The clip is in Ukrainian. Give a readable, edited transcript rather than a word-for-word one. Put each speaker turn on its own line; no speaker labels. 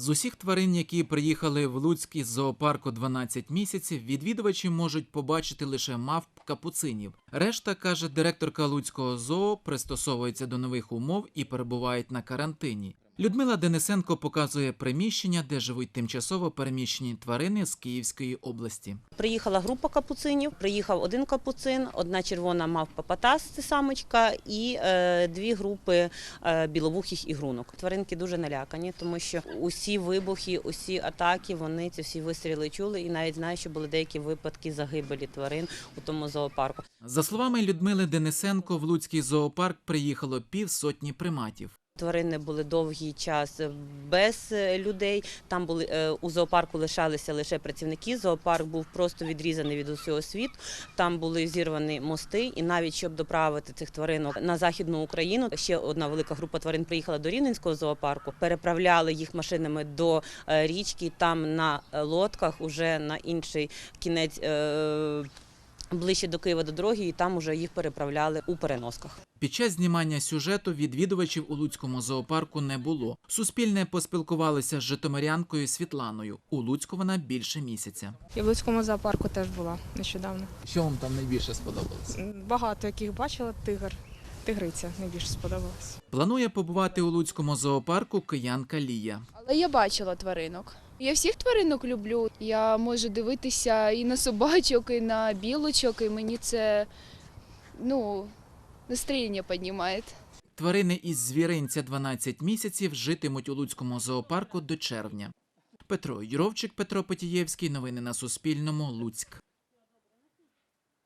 З усіх тварин, які приїхали в Луцьк із зоопарку 12 місяців, відвідувачі можуть побачити лише мавп капуцинів. Решта, каже директорка Луцького зоо, пристосовується до нових умов і перебувають на карантині. Людмила Денисенко показує приміщення, де живуть тимчасово переміщені тварини з Київської області.
Приїхала група капуцинів, приїхав один капуцин, одна червона мавпа Патас, це самочка, і дві групи біловухих ігрунок. Тваринки дуже налякані, тому що усі вибухи, усі атаки, вони ці всі вистріли чули і навіть знають, що були деякі випадки загибелі тварин у тому зоопарку.
За словами Людмили Денисенко, в Луцький зоопарк приїхало 50 приматів.
Тварини були довгий час без людей, там були у зоопарку лишалися лише працівники, зоопарк був просто відрізаний від усього світу, там були зірвані мости, і навіть щоб доправити цих тваринок на Західну Україну, ще одна велика група тварин приїхала до Рівненського зоопарку, переправляли їх машинами до річки, там на лодках уже на інший кінець ближче до Києва до дороги, і там уже їх переправляли у переносках.
Під час знімання сюжету відвідувачів у Луцькому зоопарку не було. Суспільне поспілкувалося з житомирянкою Світланою. У Луцьку вона більше місяця.
Я в Луцькому зоопарку теж була нещодавно.
Що вам там найбільше сподобалось?
Багато яких бачила, тигриця найбільше сподобалась.
Планує побувати у Луцькому зоопарку киянка Лія.
Але я бачила тваринок. Я всіх тваринок люблю. Я можу дивитися і на собачок, і на білочок, і мені це, настроєння піднімає.
Тварини із звіринця 12 місяців житимуть у Луцькому зоопарку до червня. Петро Юровчик, Петро Потієвський. Новини на Суспільному. Луцьк.